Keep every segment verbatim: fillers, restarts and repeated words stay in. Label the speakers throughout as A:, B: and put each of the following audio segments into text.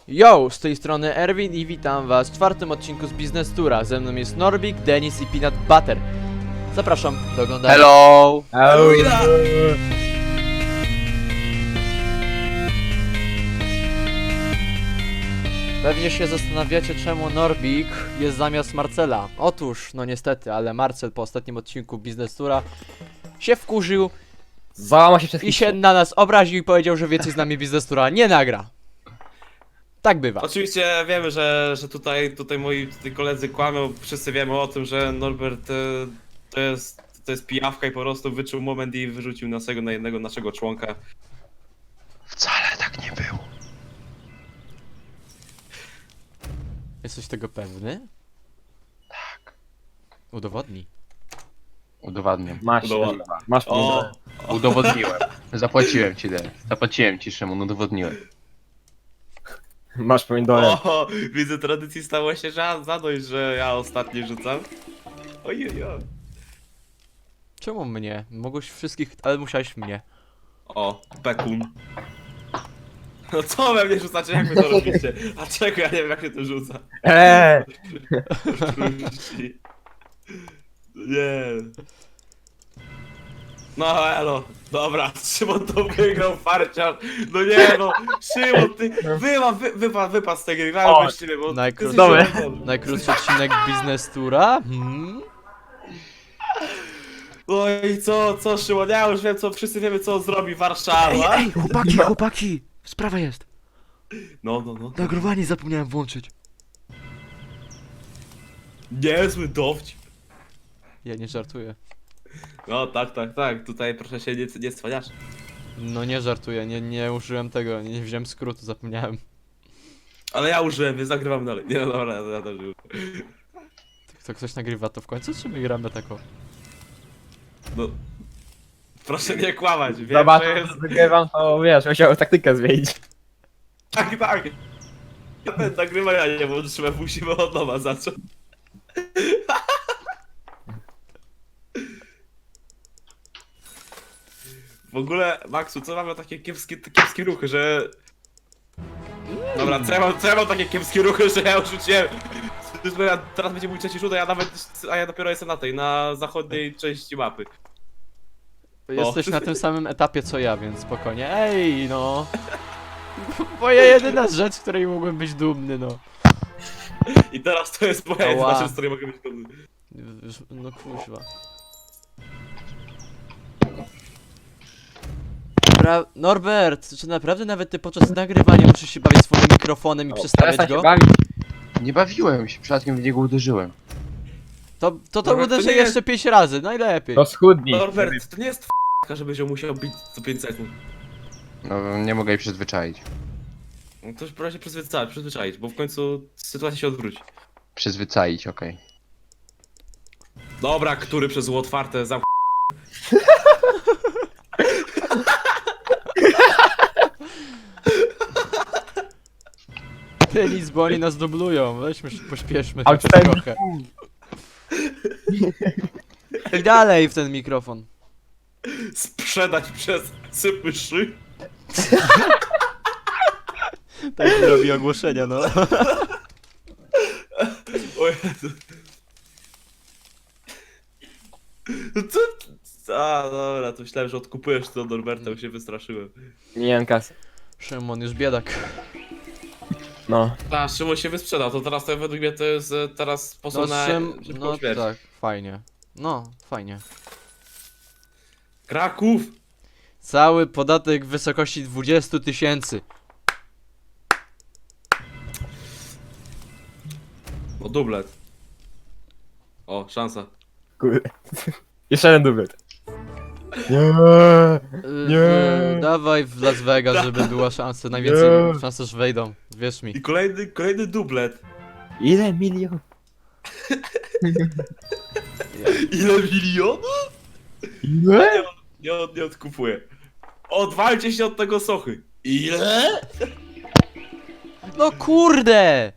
A: Yo, z tej strony Erwin i witam was w czwartym odcinku z Business Tura. Ze mną jest Norbik, Denis i Peanut Butter. Zapraszam do oglądania.
B: Hello!
C: Halloween!
A: Pewnie się zastanawiacie, czemu Norbik jest zamiast Marcela. Otóż, no niestety, ale Marcel po ostatnim odcinku Business Tura się wkurzył
C: Załama się przez
A: i się na nas obraził i powiedział, że więcej z nami Business Tura nie nagra. Tak bywa.
D: Oczywiście wiemy, że, że tutaj, tutaj moi tutaj koledzy kłamią, wszyscy wiemy o tym, że Norbert e, to jest, to jest pijawka i po prostu wyczuł moment i wyrzucił naszego na jednego naszego członka.
B: Wcale tak nie było.
A: Jesteś tego pewny?
B: Tak.
A: Udowodnij.
B: Udowadniam.
C: Masz,
D: Udowadniam.
C: masz
D: O,
B: Udowodniłem. Zapłaciłem ci, Den. Zapłaciłem ci, Szymon, udowodniłem.
C: Masz pomidorem.
D: o, widzę, tradycji stało się za- zadość, że ja ostatni rzucam. Ojej, oj.
A: Czemu mnie? Mogłeś wszystkich, ale musiałeś mnie.
D: O, bekun. No co we mnie rzucacie, jak wy to robicie? A czego ja nie wiem, jak się to rzuca?
C: Eee!
D: Nie. No elo, dobra, Szymon to wygrał farciarz. No nie no, Szymon, ty wyma, wy, wypad, wypad z tej gry, grałem
C: O,
D: bez ciebie, bo
A: najkrótszy-
D: ty jesteś
C: Dobra.
D: Szymon.
A: Najkrótszy odcinek Business Tura? Hmm?
D: No i co, co Szymon, ja już wiem co, wszyscy wiemy co zrobi Warszawa.
A: chłopaki, chłopaki! Sprawa jest.
D: No, no, no.
A: Nagrywanie zapomniałem włączyć.
D: Niezły dowcip.
A: Ja nie żartuję.
D: No tak, tak, tak, tutaj proszę się nie, nie cwaniasz.
A: No nie żartuję, nie, nie użyłem tego, nie wziąłem skrótu, zapomniałem.
D: Ale ja użyłem, więc nagrywam dalej. Nie no dobra, ja, ja też użyłem.
A: To ktoś nagrywa to w końcu, czy my gramy tako?
D: No. Proszę nie kłamać, wiem,
C: Zobacz,
D: że jest...
C: wygrywam, to wiesz, musiał taktykę zmienić.
D: Tak, tak. Ja ten nagrywania nie włączyłem, musimy od nowa zacząć. W ogóle, Maxu, co mamy takie kiepskie, kiepskie ruchy, że... Dobra, co ja, mam, co ja mam takie kiepskie ruchy, że ja już rzuciłem... Ja, teraz będzie mój trzeci rzut, a ja nawet... A ja dopiero jestem na tej, na zachodniej części mapy.
A: Jesteś na tym samym etapie co ja, więc spokojnie. Ej, no! Moja jedyna rzecz, której mógłbym być dumny, no.
D: I teraz to jest moja
A: Ała.
D: jedyna rzecz, z której mogę być dumny.
A: No kuźwa. Pra Norbert, czy naprawdę nawet ty podczas nagrywania musisz się bawić swoim mikrofonem i przestawiać
C: Przestań się
A: go?
C: bawić.
B: Nie bawiłem się, przypadkiem w niego uderzyłem.
A: To, to, to
D: Norbert, to
A: uderzę
D: nie jest-
A: jeszcze pięć razy, najlepiej.
C: To schudnij.
D: Norbert, to nie jest f***ka, żebyś ją musiał bić co pięć sekund.
B: No, nie mogę jej przyzwyczaić.
D: No to już proszę się przyzwyczaić, przyzwyczaić, bo w końcu sytuacja się odwróci.
B: Przyzwyczaić, okej.
D: Dobra, który przez zło otwarte zamk...
A: Tenis, bo oni nas dublują, weźmy się, pośpieszmy chociaż
C: Outstanding.
A: trochę. I dalej w ten mikrofon.
D: sprzedać przez sypyszy.
A: Tak robi ogłoszenia, no.
D: O Jezu. No co? A, dobra, to myślałem, że odkupujesz to od Norberta, bo się wystraszyłem.
C: Nie wiem kasy.
A: Szymon już biedak.
C: No.
D: A, Szymon się wysprzedał, to teraz to według mnie to jest e, teraz
A: No,
D: sposób na
A: Szym...
D: szybką
A: no
D: śmierć.
A: tak, fajnie. No, fajnie.
D: Kraków!
A: Cały podatek w wysokości dwudziestu tysięcy.
D: O, dublet. O, szansa.
C: Kurde. Jeszcze jeden dublet. Nie. Nie.
A: Yy, dawaj w Las Vegas, żeby była szansa. Najwięcej
C: Nie.
A: szanse, że wejdą. Wierz mi.
D: I kolejny, kolejny dublet.
C: Ile milion?
D: Ile milionów?
C: Ile?
D: Nie, od, nie odkupuję. Odwalcie się od tego sochy. Ile?
A: No kurde!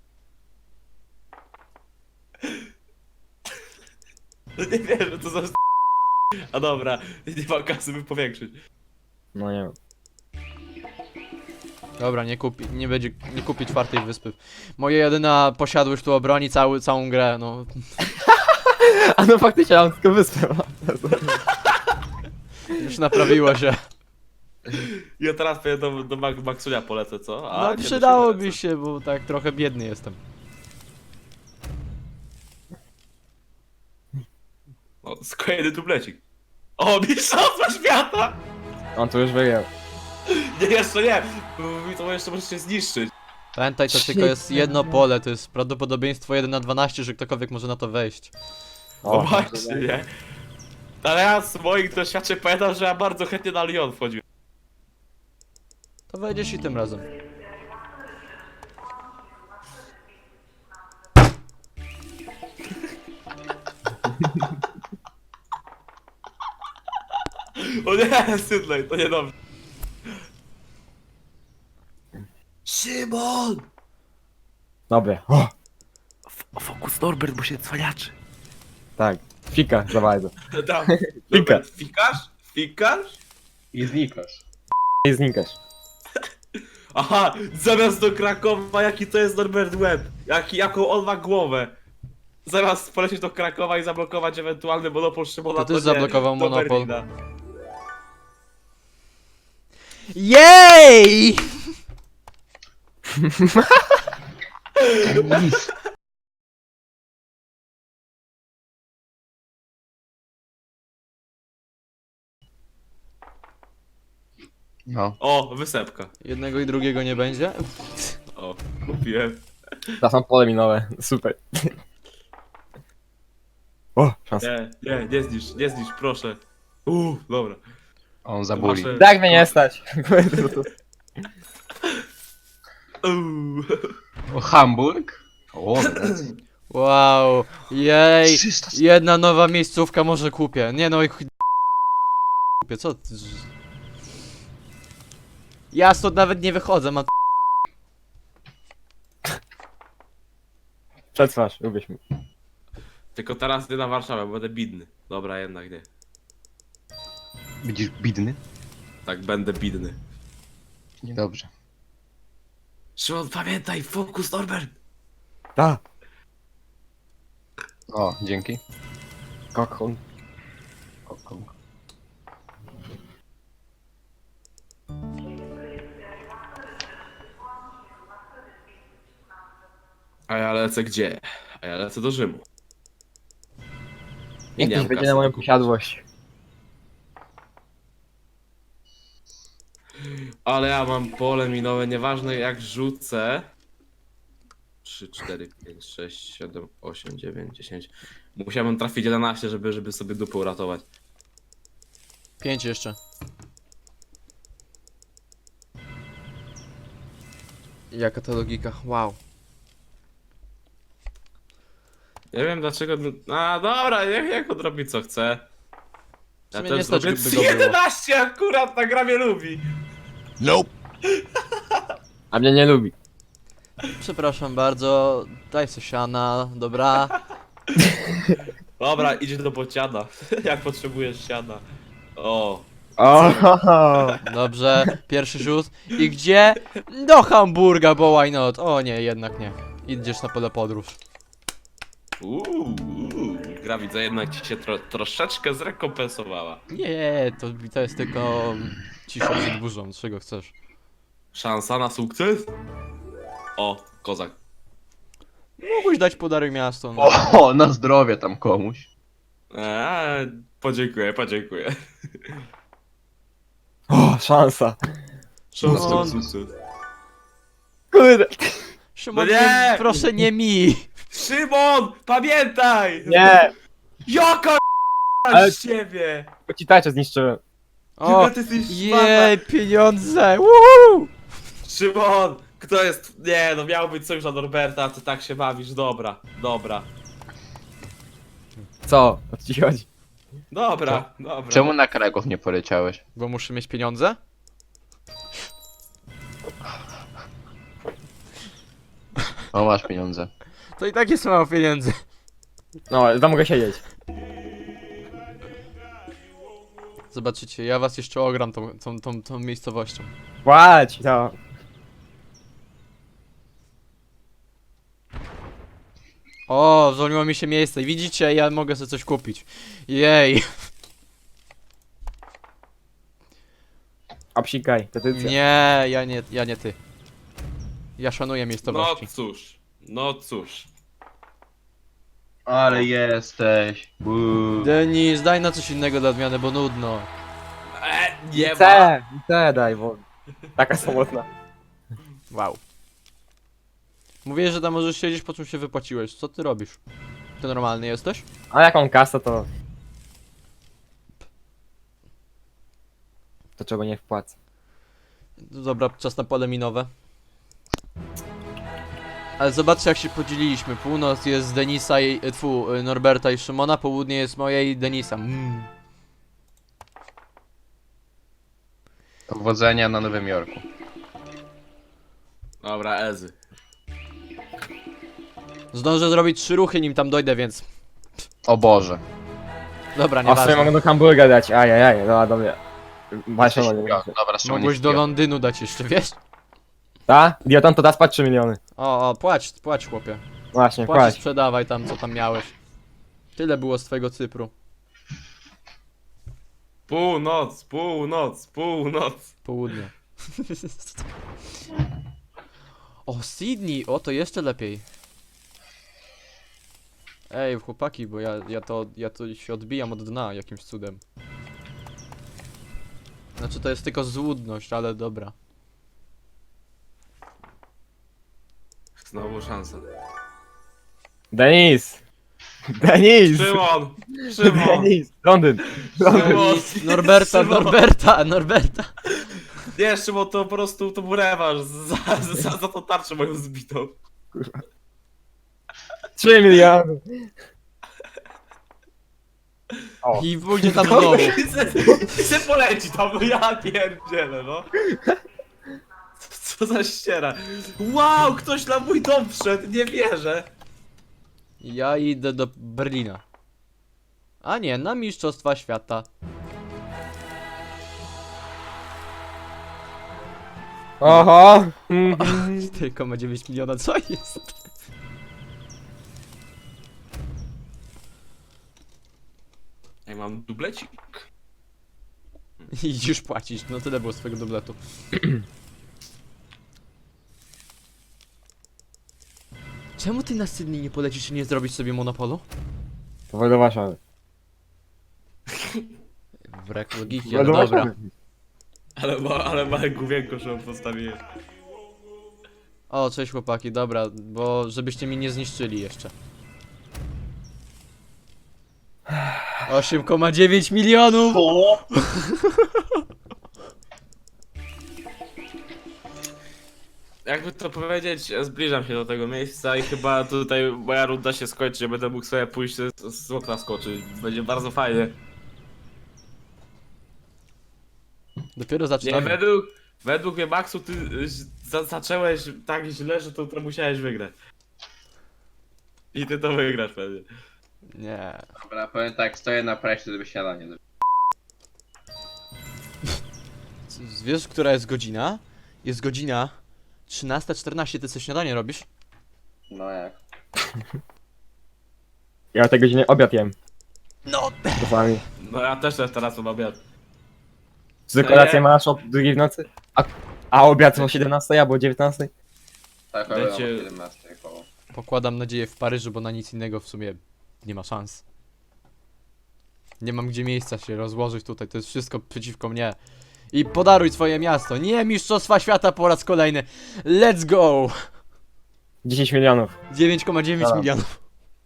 D: No nie wierzę, to za... A dobra, nie ma kasy, by powiększyć.
C: No nie wiem.
A: Dobra, nie kupi, nie będzie, nie kupi czwartej wyspy. Moja jedyna posiadłość tu obroni cały, całą grę, no.
C: A no faktycznie, ja mam tylko wyspę.
A: Już naprawiło się.
D: Ja teraz pewnie do, do Max- Maxunia polecę, co? A,
A: No
D: nie, to
A: przydałoby
D: lecę.
A: się, bo tak trochę biedny jestem.
D: O, kolejny dublecik. O, mistrzostwo świata!
C: On tu już wygrał.
D: Nie, jeszcze nie! Bo mi to jeszcze może się zniszczyć.
A: Pamiętaj, to
C: Shit,
A: tylko jest jedno
C: no.
A: pole, to jest prawdopodobieństwo jeden na dwanaście, że ktokolwiek może na to wejść.
D: No
C: O,
D: właśnie, nie? Ale ja z moich doświadczeń pamiętam, że ja bardzo chętnie na Lyon wchodziłem.
A: To wejdziesz i tym razem.
D: O nie, Sydney, to niedobrze. Szymon!
C: Dobra. O,
D: Fokus Norbert, bo się cwaniaczy.
C: tak. Fika za bardzo.
D: Tam.
C: Fika.
D: Norbert, fikasz? Fikasz?
B: I znikasz.
C: I znikasz.
D: Aha, zamiast do Krakowa, jaki to jest Norbert Web? Jaki, jaką on ma głowę? Zamiast polecieć do Krakowa i zablokować ewentualny monopol Szymona,
A: To ty
D: nie,
A: zablokował
D: do
A: monopol.
D: Berlina.
A: Jej!
B: Nic. No.
D: O, wysepka.
A: Jednego i drugiego nie będzie?
D: O, kupiłem.
C: Teraz mam pole minowe. Super. O, szansa.
D: Nie, nie, nie zniszcz, nie zniszcz, proszę. Uuu, dobra.
B: On zabuli.
D: Wasze-
C: Tak mnie nie stać.
D: Uuu.
B: O, Hamburg? O,
A: Wow, jej!
B: trzysta.
A: Jedna nowa miejscówka może kupię. Nie no i chuj... kupię, co ty... Ja stąd nawet nie wychodzę, mam...
C: Przetrwasz, lubisz mi.
D: Tylko teraz nie na Warszawę, bo będę bidny. Dobra, jednak nie.
B: Widzisz, bidny?
D: Tak, będę bidny.
B: Niedobrze.
D: Szymon, pamiętaj, fokus Norbert!
C: Ta.
B: O, dzięki.
C: Kokon.
B: O, o.
D: A ja lecę gdzie? A ja lecę do Rzymu. I
C: Niech
D: nie
C: ktoś
D: mam
C: będzie
D: kasy.
C: na moją posiadłość.
D: Ale ja mam pole minowe, nieważne jak rzucę. trzy, cztery, pięć, sześć, siedem, osiem, dziewięć, dziesięć. Musiałem trafić jedenaście, żeby, żeby sobie dupę uratować.
A: Pięć jeszcze. Jaka to logika, wow.
D: Nie wiem dlaczego. A dobra, niech, niech on robi co chce.
A: W
D: Ja
A: sumie
D: też
A: nie stać,
D: zrobię
A: by go było.
D: jedenaście akurat na gramie lubi.
C: A mnie nie lubi.
A: Przepraszam bardzo, daj se siana, dobra.
D: Dobra, idź do bociana. Jak potrzebujesz siana. O.
C: O,
A: Dobrze, pierwszy rzut. I gdzie? Do Hamburga, bo why not? O nie, jednak nie. Idziesz na pole podróż.
D: Uuu. Gra widzę jednak ci się tro, troszeczkę zrekompensowała.
A: Nie, to, to jest tylko cisza przed burzą, czego chcesz.
D: Szansa na sukces? O, kozak.
A: Mógłbyś dać podarek miasto, no.
B: O, na zdrowie tam komuś.
D: Eee, podziękuję, podziękuję.
C: o, szansa.
D: Szansa na
A: No.
D: sukces.
C: Kurde.
A: Szymon,
D: No nie!
A: proszę nie mi!
D: Szymon, pamiętaj!
C: Nie.
D: Jaka
C: Ale-
D: z ciebie!
C: Bo ci tarczę zniszczyłem.
A: O,
D: Chyba ty jesteś szmata.
A: jej, pieniądze! Woohoo!
D: Szymon, kto jest... Nie, no miał być sojusz na Norberta, a ty tak się bawisz. Dobra, dobra.
C: Co? O co ci chodzi?
D: Dobra, dobra.
B: Czemu na Kraków nie poleciałeś?
A: Bo muszę mieć pieniądze?
B: O, masz pieniądze.
A: To i tak jest mało pieniędzy.
C: No, tam mogę siedzieć.
A: Zobaczycie, ja was jeszcze ogram tą, tą, tą, tą miejscowością.
C: Płać, no.
A: O, zwolniło mi się miejsce. Widzicie, ja mogę sobie coś kupić. Jej.
C: Obsikaj, petycja.
A: Nie, ja nie, ja nie ty. Ja szanuję
D: No
A: miejscowości.
D: cóż, no cóż.
B: Ale jesteś. Uuu.
A: Denis, daj na coś innego dla odmiany, bo nudno.
D: E, nie ma.
C: C, C daj, bo taka samotna.
A: Wow. Mówię, że tam możesz siedzieć, po czym się wypłaciłeś. Co ty robisz? Ty normalny jesteś?
C: A jaką kasę to... To czego nie wpłacę.
A: Dobra, czas na pole minowe. Ale zobaczcie, jak się podzieliliśmy. Północ jest Denisa i... e, Tfu, y, Norberta i Szymona, południe jest moje i Denisa. Mm.
B: Powodzenia na Nowym Jorku.
D: Dobra, Ezy.
A: Zdążę zrobić trzy ruchy, nim tam dojdę, więc...
B: O Boże.
A: Dobra,
C: A w sumie
A: nieważne.
C: mogę do hamburga dać, ajajaj, dobra, dobra. Masz
B: Jesteś
C: nie
B: śpią- Dobra, Szymon
A: Mogłeś
B: jest
A: do
B: śpią.
A: Londynu dać jeszcze, wiesz?
C: Ta? Diotan to da spać trzy miliony.
A: O, o, płać, płać chłopie.
C: Właśnie,
A: Płać i
C: płać.
A: sprzedawaj tam, co tam miałeś. Tyle było z twojego Cypru.
D: Północ, północ, północ.
A: Południe. O, Sydney! O, to jeszcze lepiej. Ej, chłopaki, bo ja, ja to, ja to się odbijam od dna jakimś cudem. Znaczy to jest tylko złudność, ale dobra.
D: Znowu szansa.
C: Denis! Denis!
D: Szymon! Szymon!
C: Denis! Londyn!
D: Szymon!
A: Norberta,
D: Szymon!
A: Norberta, Norberta!
D: Nie, Szymon, to po prostu to był rewanż za, za, za tą tarczę moją zbitą.
C: trzy miliony! O.
A: I pójdzie tam znowu.
D: I se poleci tam, no ja pierdzielę, no. Co za ściera. Wow, ktoś na mój dom wszedł, nie wierzę.
A: Ja idę do Berlina. A nie, na Mistrzostwa Świata.
C: Oho! Mhm.
A: Tylko ma dziewięć miliona, co jest?
D: Ja mam dublecik.
A: I już płacić, no tyle było swojego dubletu. Czemu ty na Sydney nie polecisz i nie zrobisz sobie monopolu?
C: Powoli do Warszawy.
A: Wrek logiki,
C: Powoli
A: ale
C: do
A: dobra.
C: Warszawy.
D: Ale, ma, ale małe główienko, że postawiłem.
A: O, cześć chłopaki, dobra, bo żebyście mi nie zniszczyli jeszcze. osiem przecinek dziewięć milionów!
D: Jakby to powiedzieć, zbliżam się do tego miejsca i chyba tutaj moja runda się skończy, ja będę mógł sobie pójść z, z okna skoczyć. Będzie bardzo fajnie.
A: Dopiero
D: Nie,
A: zaczynamy.
D: według, według mnie, Maxu, ty y, za, zacząłeś tak źle, że to, to musiałeś wygrać. I ty to wygrasz pewnie.
A: Nie.
B: Dobra, powiem tak, stoję na preście, żeby śniadanie zrobić.
A: C- Wiesz, która jest godzina? Jest godzina trzynasta czternaście, ty sobie śniadanie robisz?
B: No jak?
C: Ja o tej godzinie obiad jem.
A: No!
C: Czasami.
D: No ja też teraz mam obiad.
C: Czy kolację masz o drugiej w nocy? A, a obiad o siedemnastej albo o dziewiętnastej?
B: Tak,
D: Dajcie-
B: ale o siedemnastej koło.
A: Pokładam nadzieję w Paryżu, bo na nic innego w sumie nie ma szans. Nie mam gdzie miejsca się rozłożyć tutaj, to jest wszystko przeciwko mnie. I podaruj swoje miasto. Nie, Mistrzostwa Świata po raz kolejny. Let's go!
C: dziesięć milionów.
A: dziewięć przecinek dziewięć
C: Dobra.
A: milionów.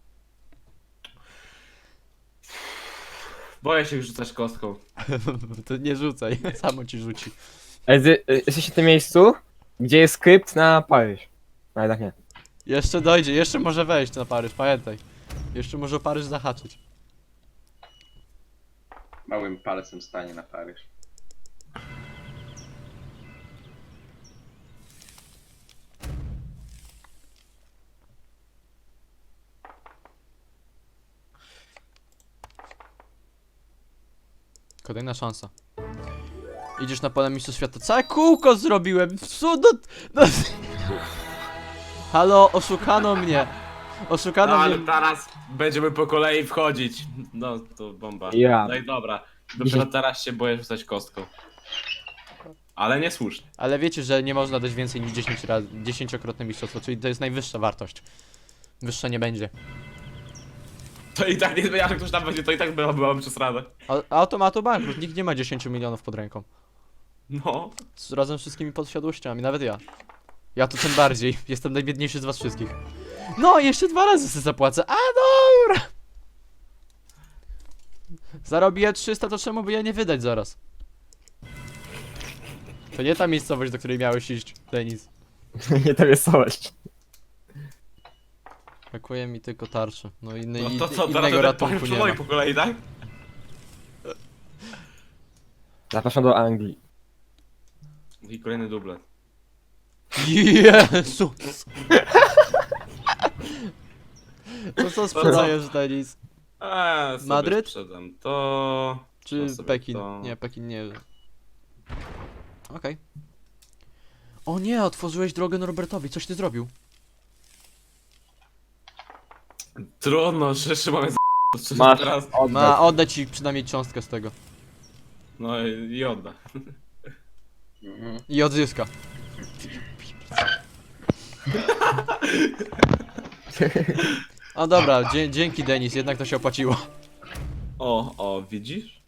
D: Boję się już rzucać kostką.
A: To nie rzucaj, samo ci rzuci.
C: Ej, ty, y, jesteś w tym miejscu, gdzie jest skrypt na Paryż. No jednak nie.
A: Jeszcze dojdzie, jeszcze może wejść na Paryż, pamiętaj. Jeszcze może o Paryż zahaczyć.
B: Małym palcem stanie na Paryż.
A: Kolejna szansa. Idziesz na pole mistrzostw świata. Całe kółko zrobiłem! Co do... No... Halo, oszukano mnie! Oszukano
D: No ale
A: mnie...
D: teraz będziemy po kolei wchodzić. No to bomba.
C: Ja.
D: No i dobra. Dopiero teraz się boję rzucać kostką. Ale niesłusznie.
A: Ale wiecie, że nie można dać więcej niż dziesięć razy, dziesięciokrotne mistrzostwo, czyli to jest najwyższa wartość. Wyższa nie będzie.
D: To i tak nie zmienia, że ktoś tam będzie, to i tak była, byłabym przez radę.
A: A, automatu bankrut, nikt nie ma dziesięć milionów pod ręką.
D: No.
A: Z, razem z wszystkimi posiadłościami, nawet ja. Ja to tym bardziej, jestem najbiedniejszy z was wszystkich. No, jeszcze dwa razy sobie zapłacę, a dobra! Zarobię trzysta, to czemu by ja nie wydać zaraz? To nie ta miejscowość, do której miałeś iść, Denis.
C: Nie to wesołość.
A: Brakuje mi tylko tarczy, no i,
D: No
A: i,
D: to co, teraz
A: innego
D: będę
A: ratunku
D: palił
A: nie
D: po
A: ma.
D: po kolei, tak?
C: Zapraszam do Anglii.
D: I kolejny dublet.
A: Jezus! To co sprzedajesz, Denis?
D: Eee, sobie
A: Madryt?
D: sprzedam to...
A: Czy
D: To sobie
A: Pekin?
D: to-
A: Nie, Pekin nie. Okej. O nie, otworzyłeś drogę Norbertowi, coś ty zrobił.
D: Trudno, że Szymon jest z...
C: Masz
D: teraz.
C: oddać.
A: Ma oddać ci przynajmniej cząstkę z tego.
D: No i, i odda.
A: I odzyska. O dobra, dzie dzięki Denis, jednak to się opłaciło.
D: O, o, widzisz?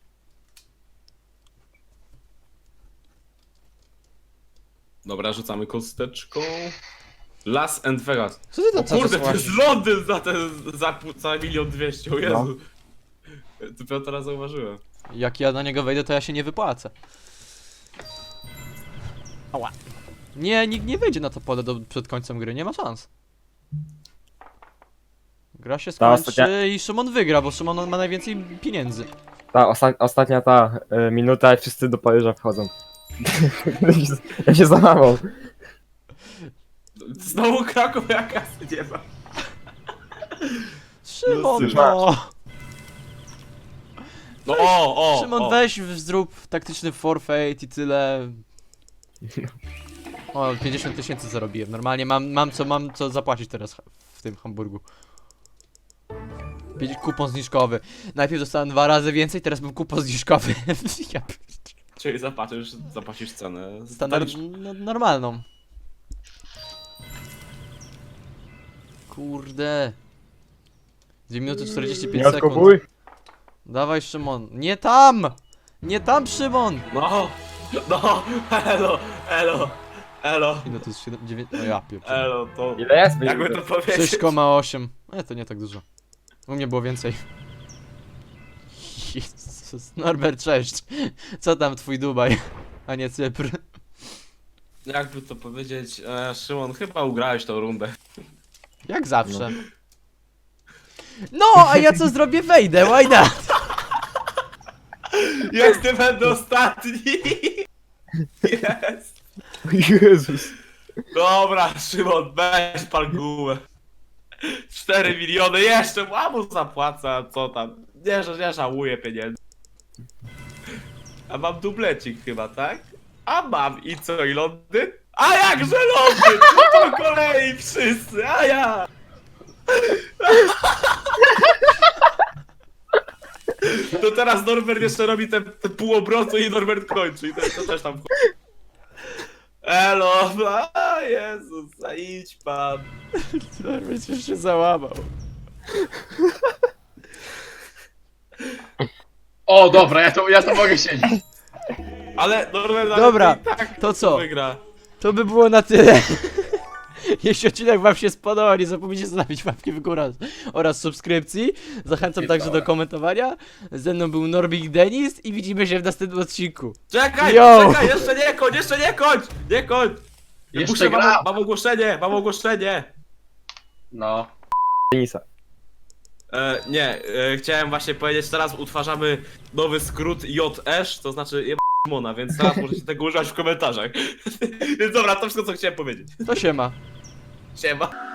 D: Dobra, rzucamy kosteczką. Las and Vegas.
A: Co ty
D: O
A: tam
D: kurde,
A: cały
D: to
A: czas
D: jest Londyn za ten, za, pół- za milion dwieście, o Jezu. Dopiero teraz zauważyłem.
A: Jak ja na niego wejdę, to ja się nie wypłacę. Ała. Nie, nikt nie wejdzie na to pole do, przed końcem gry, nie ma szans. Gra się
C: Ta
A: skończy
C: ostatnia-
A: i Szymon wygra, bo Szymon ma najwięcej pieniędzy.
C: Ta osta ostatnia ta e, minuta i wszyscy do Paryża wchodzą. Ja się załamał.
D: Znowu Kraków, ja kasy nie ma.
A: Szymon,
C: Masz.
A: no!
D: No o, o,
A: Szymon,
D: o.
A: weź, w- zrób taktyczny forfeit i tyle. O, pięćdziesiąt tysięcy zarobiłem. Normalnie mam, mam co, mam co zapłacić teraz ha- w tym Hamburgu. Pięć- Kupon zniżkowy. Najpierw dostałem dwa razy więcej, teraz mam kupon zniżkowy. Ja p-
D: Czyli zapłacisz, zapłacisz cenę.
A: Standard,
D: Stanisz-
A: no, normalną. Kurde. dwie minuty czterdzieści pięć
C: Nie
A: sekund.
C: odkupuj.
A: Dawaj Szymon. Nie tam! Nie tam Szymon!
D: No, no, elo, elo, elo,
A: Ile to jest siedem, dziewięć, no ja pierdzielę.
D: elo, to...
C: Ile jest?
D: Jakby to powiedzieć?
A: sześć przecinek osiem. E, to nie tak dużo. U mnie było więcej. Jezus, Norbert, cześć. Co tam twój Dubaj, a nie Cypr?
D: Jakby to powiedzieć, e, Szymon, chyba ugrałeś tą rundę.
A: Jak zawsze. No, a ja co zrobię? Wejdę, why not?
D: Jak ty będę ostatni! Jest!
C: Jezus.
D: Dobra, Szymon, weź pan gumę. cztery miliony, jeszcze mamu zapłaca, co tam. Nie, że nie żałuję pieniędzy. A mam dublecik chyba, tak? A mam i co, i Londyn? A jakże Londyn! No po kolei wszyscy, a ja! To teraz Norbert jeszcze robi te, te pół obrotu i Norbert kończy i to, to też tam wchodzi. Elo, a Jezus, a idź pan.
A: Norbert już się załamał.
B: O, dobra, ja to, ja to mogę siedzieć.
D: Ale Norbert ale
A: Dobra,
D: i tak
A: to co?
D: wygra.
A: To by było na tyle. Jeśli odcinek wam się spodobał, nie zapomnijcie zostawić łapki w górę oraz subskrypcji. Zachęcam także do komentowania. Ze mną był Norbik Denis i widzimy się w następnym odcinku.
D: Czekaj,
A: Yo!
D: czekaj, jeszcze nie kończ, jeszcze nie kończ, nie kończ.
B: Jeszcze
D: Muszę,
B: gra.
D: mam, mam ogłoszenie, mam ogłoszenie.
B: No.
C: Denisa.
D: E, nie, e, chciałem właśnie powiedzieć, teraz utwarzamy nowy skrót J S, to znaczy jeb... Mona, więc teraz możecie tego używać w komentarzach. Więc dobra, to wszystko co chciałem powiedzieć.
A: To siema.
D: Siema.